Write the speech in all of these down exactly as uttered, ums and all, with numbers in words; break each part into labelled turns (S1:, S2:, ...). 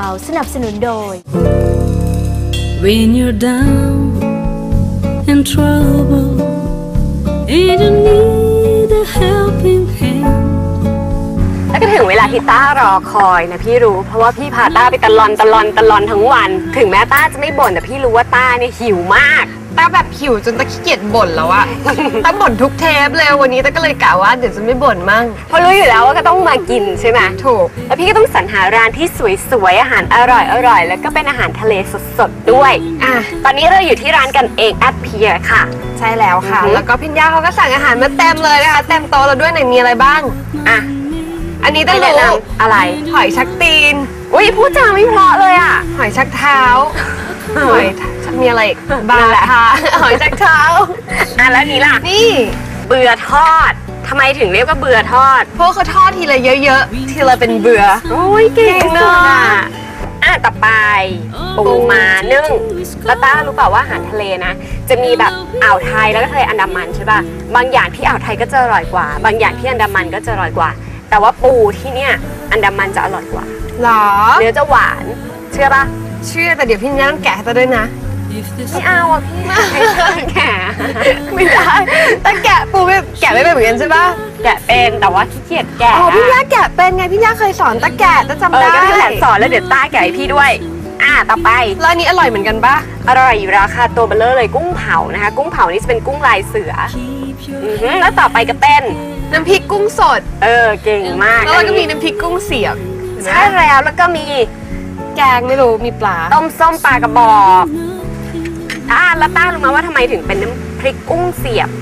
S1: สนับสนุนโดย
S2: When you're down and trouble and you need a helping hand
S3: แล้วก็ถึงเวลาที่ต้ารอคอยนะพี่รู้เพราะว่าพี่พาต้าไปตะลอนตะลอนตะลอนทั้งวันถึงแม้ต้าจะไม่บ่นแต่พี่รู้ว่าต้าเนี่ยหิวมาก
S4: ต้าแบบหิวจนต้าขี้เกียจบ่นแล้วอะต้าบ่นทุกเทปเลยวันนี้ต้าก็เลยกะว่าเดี๋ยวจะไม่บ่นมั่ง
S3: เพราะรู้อยู่แล้วว่าก็ต้องมากินใช่ไหม
S4: ถูก
S3: แล้วพี่ก็ต้องสรรหาร้านที่สวยๆอาหารอร่อยๆแล้วก็เป็นอาหารทะเลสดๆด้วยอ่ะตอนนี้เราอยู่ที่ร้านกันเองแอดเพียร์ค่ะ
S4: ใช่แล้วค่ะแล้วก็พิญญาเขาก็สั่งอาหารมาเต็มเลยนะคะเต็มโต๊ะเราด้วยไหนมีอะไรบ้างอ่ะอันนี้ต้ารู้
S3: อะไร
S4: หอยชักตีน
S3: อุ้ยพูดจาไม่เพราะเลยอ่ะ
S4: หอยชักเท้าหอยมีอะไรบาทาหอยชักเท้า
S3: อ่ะแล้วนี้ล่ะ
S4: นี่
S3: เบื่อทอดทำไมถึงเรียกว่าเบื่อทอด
S4: เพราะเขาทอดทีละเยอะๆทีละเป็นเบื่อ
S3: โอ้ยเก่งเนาะอ่ะต่อไปปูม้านึ่งแล้วต้ารู้เปล่าว่าอาหารทะเลนะจะมีแบบอ่าวไทยแล้วก็ทะเลอันดามันใช่ป่ะบางอย่างที่อ่าวไทยก็จะอร่อยกว่าบางอย่างที่อันดามันก็จะอร่อยกว่าแต่ว่าปูที่เนี่ยอันดามันจะอร่อยกว่า
S4: หรอ
S3: เนื้อจะหวานเชื่อป่ะ
S4: เชื่อแต่เดี๋ยวพี่ย่าต้องแกะให้ต้าด้วยนะ
S3: ไม่เอาอ่ะพี่ไม่แกะ
S4: ไม่ได้แต่แกะปูไม่แกะไม่เป็นเหมือนกันใช่ป่ะ
S3: แกะเป็นแต่ว่าขี้เกียจแกะ
S4: อ๋อพี่ย่าแกะเป็นไงพี่ย่าเคยสอนต้าแกะต้าจำได้
S3: ก็พี่แหละสอนแล้วเดี๋ยวต้าแกะให้พี่ด้วยอ่ะต่อไป
S4: แล้วอันนี้อร่อยเหมือนกันป่ะ
S3: อร่อยอยู่ราคาตัวเบลเลอร์เลยกุ้งเผานะคะกุ้งเผานี่จะเป็นกุ้งลายเสือแล้วต่อไปก็เป็น
S4: น้ำพริกกุ้งสด
S3: เออเก่งมาก
S4: แล้วก็มีน้ำพริกกุ้งเสียบ
S3: ใช่แล้วแล้วก็มี
S4: แกงไม่รู้มีปลา
S3: ต้มส้มปลากระบอกอ่าแล้วต้ารู้ไหมว่าทำไมถึงเป็นน้ำพริกกุ้งเสียบ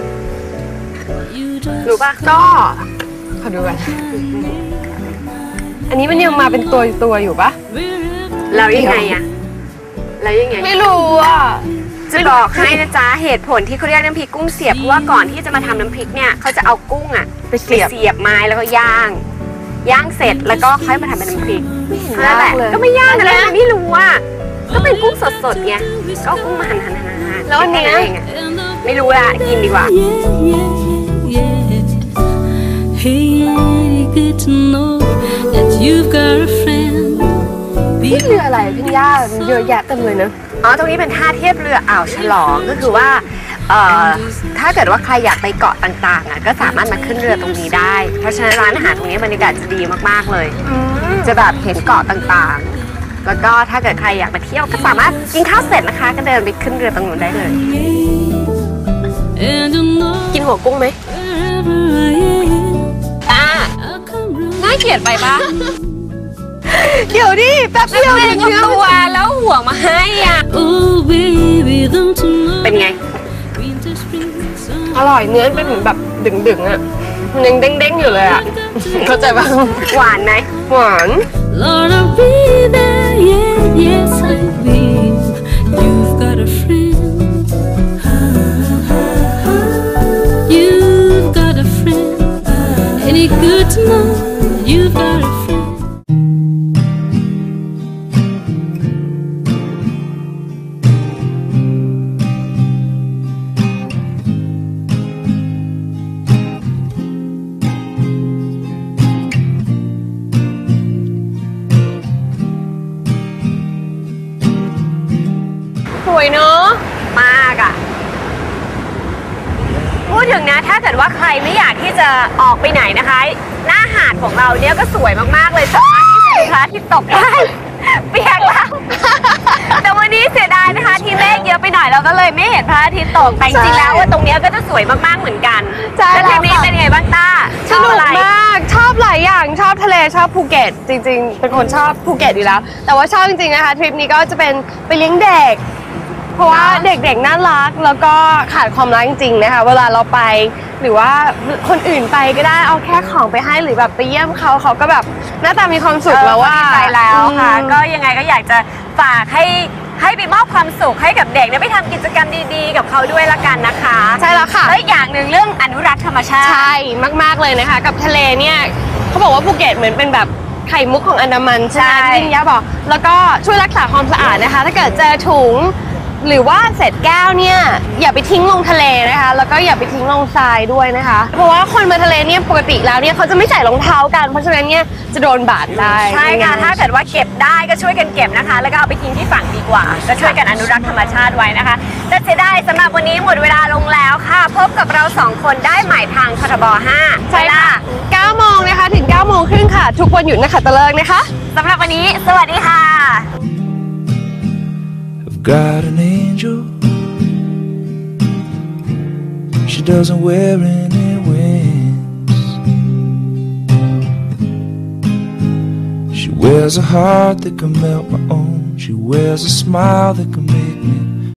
S3: รู้ป่ะ
S4: ก็ขอดูกันอันนี้มันยังมาเป็นตัวตัวอยู่ป่ะ
S3: แล้วยังไงอะแล้วยังไง
S4: ไม่รู้อ่ะ
S3: จะบอกให้นะจ๊ะเหตุผลที่เขาเรียกน้ำพริกกุ้งเสียบเพราะว่าก่อนที่จะมาทำน้ำพริกเนี่ยเขาจะเอากุ้งอะไปเสียบเสียบไม้แล้วก็ย่างย่างเสร็จแล้วก็ค่อยมาทำเป็นน้ำพริกนั่นแหละก็ไม่ยากนะไม่รู้ว่าก็เป็นกุ้งสดๆไงก็กุ้งมาหั่นหั่นหั่นหั่น
S4: แล้วอันนี้
S3: ไม่รู้ละกินดีกว่า
S4: นี่เรืออะไรพี่ย่าเยอะแยะเต็มเลยนะ
S3: อ๋อตรงนี้เป็นท่าเทียบเรืออ่าวฉลองก็คือว่าเอ่อถ้าเกิดว่าใครอยากไปเกาะต่างๆอ่ะก็สามารถมาขึ้นเรือตรงนี้ได้เพราะฉะนั้นร้านอาหารตรงนี้บรรยากาศจะดีมากๆเลยจะแบบเห็นเกาะต่างๆแล้วก็ถ้าเกิดใครอยากมาเที่ยวก็สามารถกินข้าวเสร็จนะคะก็เดินไปขึ้นเรือตรงนู้นได้เลยกินหัวกุ้งไหมอ่าน่าเกลียดไปปะ
S4: เดี๋ยวดิแป๊บเดียว
S3: ถึงตัวแล้วหัวมาให้อ่ะเป็นไง
S4: อร่อยเนื้อเป็นเหมือนแบบดึงๆอ่ะมันยังเด้งๆอยู่เลยอ่ะเข้าใจป่ะ
S3: หวานไหม
S4: หวานสวยเนอะ
S3: มากอ่ะพูดถึงนะถ้าเกิดว่าใครไม่อยากที่จะออกไปไหนนะคะหน้าหาดของเราเนี่ยก็สวยมากๆเลยสามารถที่จะพระอาทิตย์ตกได้เปียกแล้วแต่วันนี้เสียดายนะคะที่เมฆเยอะไปหน่อยเราก็เลยไม่เห็นพระอาทิตย์ตกแต่จริงๆแล้วว่าตรงนี้ก็จะสวยมากๆเหมือนกันแล้วทริปนี้เป็นไงบ้างต้า
S4: สนุกมากชอบหลายอย่างชอบทะเลชอบภูเก็ตจริงๆเป็นคนชอบภูเก็ตอยู่แล้วแต่ว่าชอบจริงๆนะคะทริปนี้ก็จะเป็นไปเลี้ยงเด็กเพราะว่าเด็กๆน่ารักแล้วก็ขาดความรักจริงๆนะคะเวลาเราไปหรือว่าคนอื่นไปก็ได้เอาแค่ของไปให้หรือแบบไปเยี่ยมเขาเขาก็แบบหน้าตามีความสุขแล้วว่า
S3: ดีใจแล้วค่ะก็ยังไงก็อยากจะฝากให้ให้ไปมอบความสุขให้กับเด็กได้ไปทำกิจกรรมดีๆกับเขาด้วยละกันนะคะ
S4: ใช่แล้วค่ะ
S3: และอย่างหนึ่งเรื่องอนุรักษ์ธรรมชาติ
S4: ใช่มากๆเลยนะคะกับทะเลเนี่ยเขาบอกว่าภูเก็ตเหมือนเป็นแบบไข่มุกของอันดามันใช่ไหมที่ย่าบอกแล้วก็ช่วยรักษาความสะอาดนะคะถ้าเกิดเจอถุงหรือว่าเศษแก้วเนี่ยอย่าไปทิ้งลงทะเลนะคะแล้วก็อย่าไปทิ้งลงทรายด้วยนะคะเพราะว่าคนมาทะเลเนี่ยปกติแล้วเนี่ยเขาจะไม่ใส่รองเท้ากันเพราะฉะนั้นเนี่ยจะโดนบาดได้
S3: ใช่ค่ะถ้าเกิดว่าเก็บได้ก็ช่วยกันเก็บนะคะแล้วก็เอาไปทิ้งที่ฝั่งดีกว่าก็ช่วยกันอนุรักษ์ธรรมชาติไว้นะคะแต่เสียดายสำหรับวันนี้หมดเวลาลงแล้วค่ะพบกับเราสองคนได้ใหม่ทางททบห้า
S4: ใช่ค่ะเก้าโมงนะคะถึงเก้าโมงครึ่งค่ะทุกวันหยุดนะคะตะเลิกนะคะ
S3: สำหรับวันนี้สวัสดีค่ะ
S1: I've got an angel She doesn't wear any wings She wears a heart that can melt my own She wears a smile that can